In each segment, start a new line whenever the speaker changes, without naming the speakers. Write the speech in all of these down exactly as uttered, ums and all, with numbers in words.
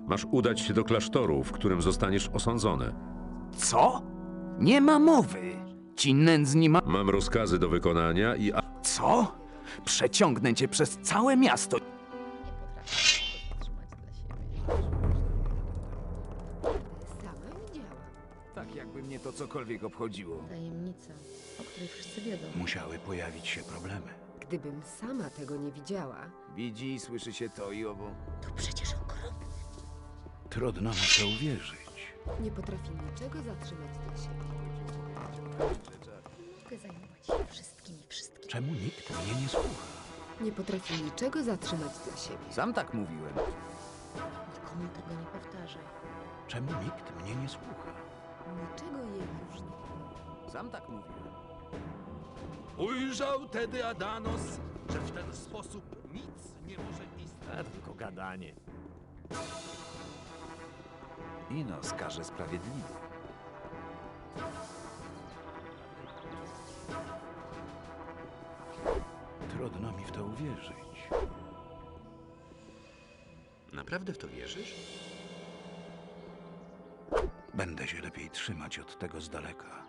Masz udać się do klasztoru, w którym zostaniesz osądzony.
Co? Nie ma mowy. Ci nędzni ma...
Mam rozkazy do wykonania i... a-
Co? Przeciągnę cię przez całe miasto.
Nie potrafię tego zatrzymać dla siebie. Sama widziałam.
Tak jakby mnie to cokolwiek obchodziło.
Tajemnica, o której wszyscy wiedzą.
Musiały pojawić się problemy.
Gdybym sama tego nie widziała,
Widzi i słyszy się to i owo.
To przecież okropne.
Trudno na to uwierzyć.
nie potrafi niczego zatrzymać dla siebie.
Mogę zajmować się wszystkimi wszystkimi.
Czemu nikt mnie nie słucha?
Nie potrafi niczego zatrzymać dla siebie.
Sam tak mówiłem.
Nikomu tego nie powtarzaj.
Czemu nikt mnie nie słucha?
Niczego jej już nie.
Sam tak mówiłem.
Ujrzał tedy Adanos, że w ten sposób nic nie może istnieć.
Tylko gadanie.
Inos każe sprawiedliwie.
Trudno mi w to uwierzyć.
Naprawdę w to wierzysz?
Będę się lepiej trzymać od tego z daleka.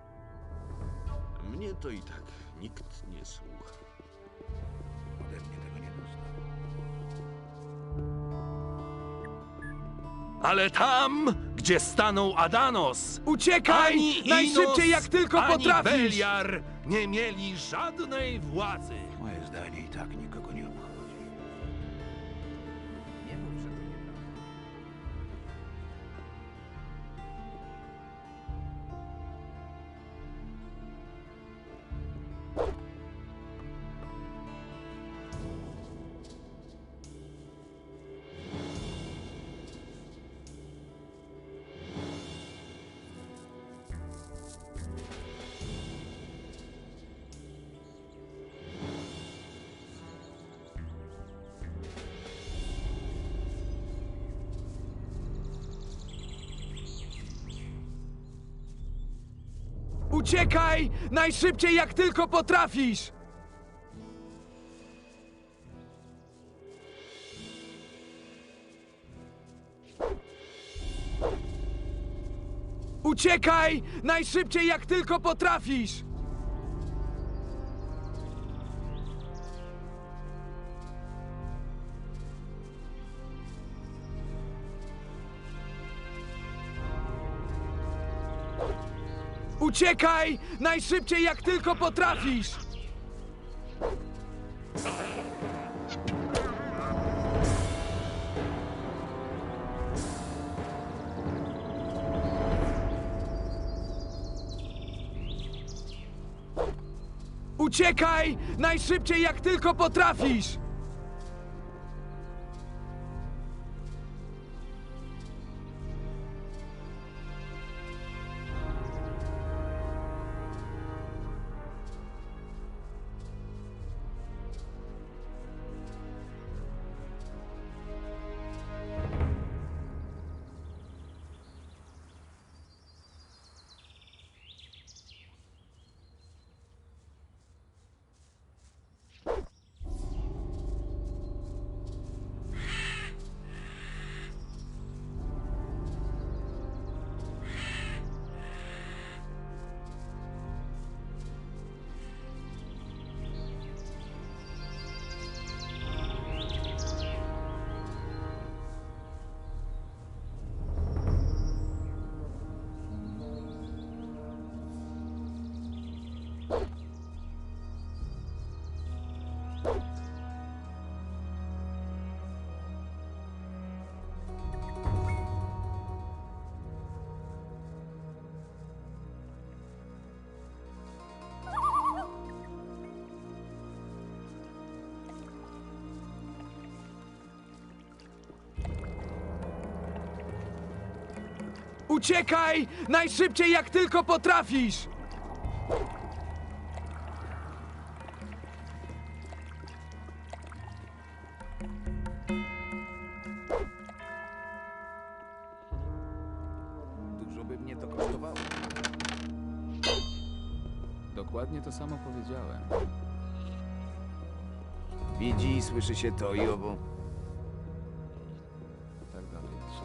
Mnie to i tak nikt nie słucha.
Ode mnie tego nie dostał.
Ale tam, gdzie stanął Adanos,
Uciekaj!
ani
Najszybciej
Inos,
jak tylko
ani
potrafisz!
Beliar nie mieli żadnej władzy.
Moje zdanie i tak nikogo nie obchodzi.
Nie mów, że to nieprawda. Uciekaj! Najszybciej jak tylko potrafisz! Uciekaj! Najszybciej jak tylko potrafisz! Uciekaj! Najszybciej jak tylko potrafisz! Uciekaj! Najszybciej jak tylko potrafisz! Uciekaj! Najszybciej jak tylko potrafisz! Dużo by mnie to kosztowało.
Dokładnie to samo powiedziałem.
Widzi i słyszy się to i owo.
Tak dalej.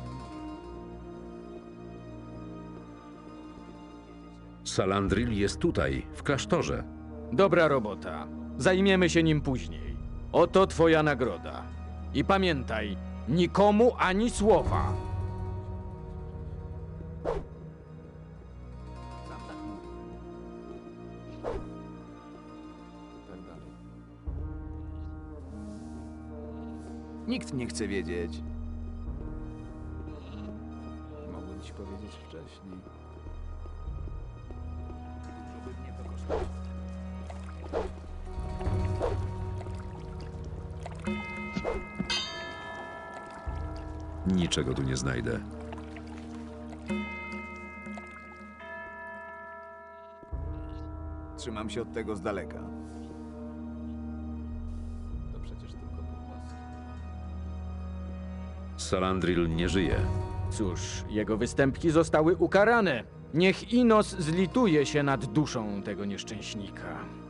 Salandril jest tutaj, w klasztorze.
Dobra robota. Zajmiemy się nim później. Oto twoja nagroda. I pamiętaj, nikomu ani słowa.
Sam tak mówię. I tak dalej.
Nikt nie chce wiedzieć.
Mogłem ci powiedzieć wcześniej.
Dużo by mnie to kosztowało.
Niczego tu nie znajdę.
Trzymam się od tego z daleka.
To przecież tylko pogłoski.
Salandril nie żyje.
Cóż, jego występki zostały ukarane. Niech Inos zlituje się nad duszą tego nieszczęśnika.